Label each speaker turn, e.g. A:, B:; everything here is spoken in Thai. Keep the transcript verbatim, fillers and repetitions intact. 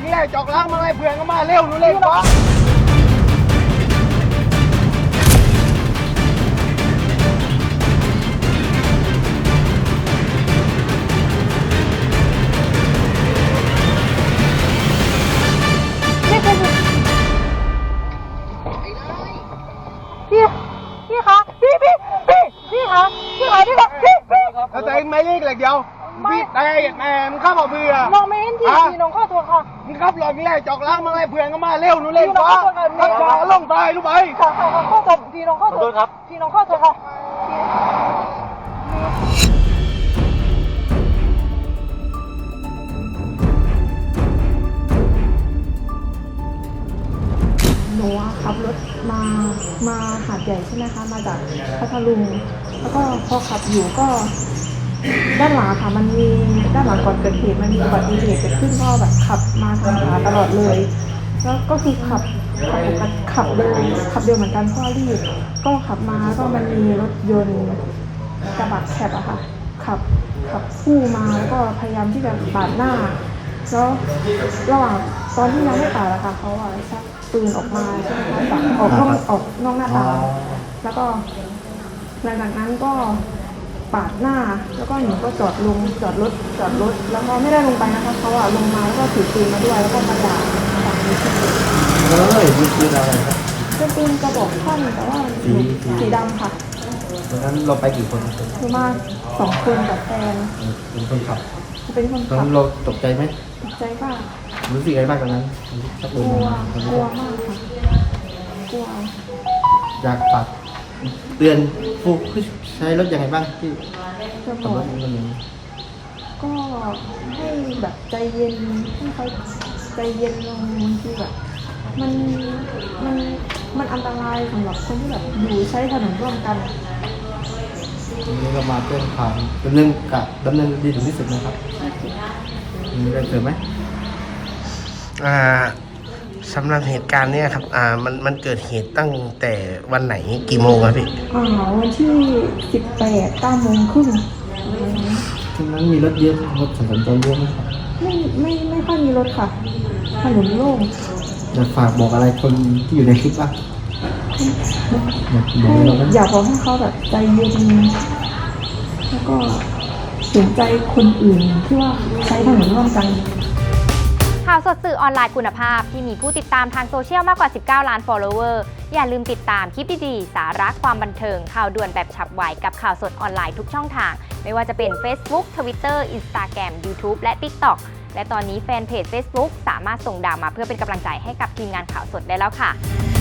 A: นี่แหละจอกล้างมาให้เพื่อนก็มาเร็วหนูเร็ววะ
B: พี่พี่คะพี่พี่พี่พี่คะพี่คะพี่คะพี่พี่
A: แล้วแต่เองไม่เรียกเหล็กเดียวพี่แต่แม่มึงข้ามเอาเบื่อ
B: น้องไม่เห็นที่พี่น้องข้อตัวค่ะ
A: มึงขับรถนี่แหละจอกล้างมาให้เพื่อนก็มาเร็วหนูเร็ววะขับช้าลงตายรู้ไหม
B: ค่ะค่ะค่ะข้อตัวพี่น้องข้อตัวครับพี่น้องข้อตัวค่ะหนูขับรถมามาหาดใหญ่ใช่ไหมคะมาจากพัทลุงแล้วก็พอขับอยู่ก็ด้านหลังค่ะมันมีด้านหลังก่อนเกิดเหตุมันมีอุบัติเหตุเกิดขึ้นก็แบบขับมาทางขวาตลอดเลยแล้วก็คือขับขับปกติขับเร็วขับเร็วเหมือนกันเพราะว่ารีบก็ขับมาก็มันมีรถยนต์กระบะแคบอะค่ะขับขับคู่มาแล้วก็พยายามที่จะปาดหน้าแล้วระหว่างตอนที่ยังไม่ปาดอะค่ะเขาอะชักปืนออกมาใช่ไหมคะจากออกนอกออกนอกหน้าตาแล้วก็หลังจากนั้นก็ปาดหน้าแล้วก็หนูก็จอดลงจอดรถจอดรถแล้วก็ไม่ได้ลงไปนะคะเขาอะลงมาแล้วก็ถือปืนมาด้วยแล้วก็มาด่าฝั่งนี้ที่ปืน
C: เฮ้ยมีปืนอะไรครับ
B: เป็นปืนกระบอกสั้นแต่ว่าหนูสีดำค่ะ
C: ตอนนั้นเราไปกี่คนครับ
B: หนูมาสองคนกับแฟน
C: เป็นคนขับ
B: เป็นคน
C: ตอน
B: ขับ
C: นั้นเราตกใจไหม
B: ตกใจมาก
C: รู้สึกไงบ้างตอนนั้นชัก
B: ก
C: ปืน
B: ลัว
C: มาก
B: ลัวมากค่ะกลัว
C: อยากฝากเตือนผู้ใช้รถยังไงบ้างที่
B: จะบ
C: ขับ
B: อ
C: ร
B: ก
C: ถมันนี้
B: ก็ให้แบบใจเย็นให้เขาใจเย็นลงบางทีแบบมันมันมันอันตรายสำหรับคนที่แบบอยู่ใช้ถนนร่วมกัน
C: วันนี้เรามาเพื่อนความดำเนินกับดำเนินดีถึงที่สุดนะครับมีอะไรเสริมไหม
D: อ่าสำหรับเหตุการณ์เนี้ยครับอ่ามันมันเกิดเหตุตั้งแต่วันไหนกี่โมงครับพี่
B: อ่าวันที่สิบแปดเก้าโมงครึ่ง
C: ช่วงนั้นมีรถเยอะรถสัญจรเยอะไหมครับ
B: ไม่ไม่ไม่ค่อยมีรถค่ะถนนโล่ง
C: อยากฝากบอกอะไรคนที่อยู่ในคลิปบ้างอยากบอก
B: ให้
C: อะไรเราไหม
B: อยากบอกให้เขาแบบใจเย็นแล้วก็เห็นใจคนอื่นที่ว่าใช้ถนนร่วมกัน
E: ข่าวสดสื่อออนไลน์คุณภาพที่มีผู้ติดตามทางโซเชียลมากกว่าสิบเก้าล้าน follower อย่าลืมติดตามคลิปดีๆสาระความบันเทิงข่าวด่วนแบบฉับไวกับข่าวสดออนไลน์ทุกช่องทางไม่ว่าจะเป็น Facebook Twitter Instagram YouTube และ TikTok และตอนนี้แฟนเพจ Facebook สามารถส่งดาวมาเพื่อเป็นกำลังใจให้กับทีมงานข่าวสดได้แล้วค่ะ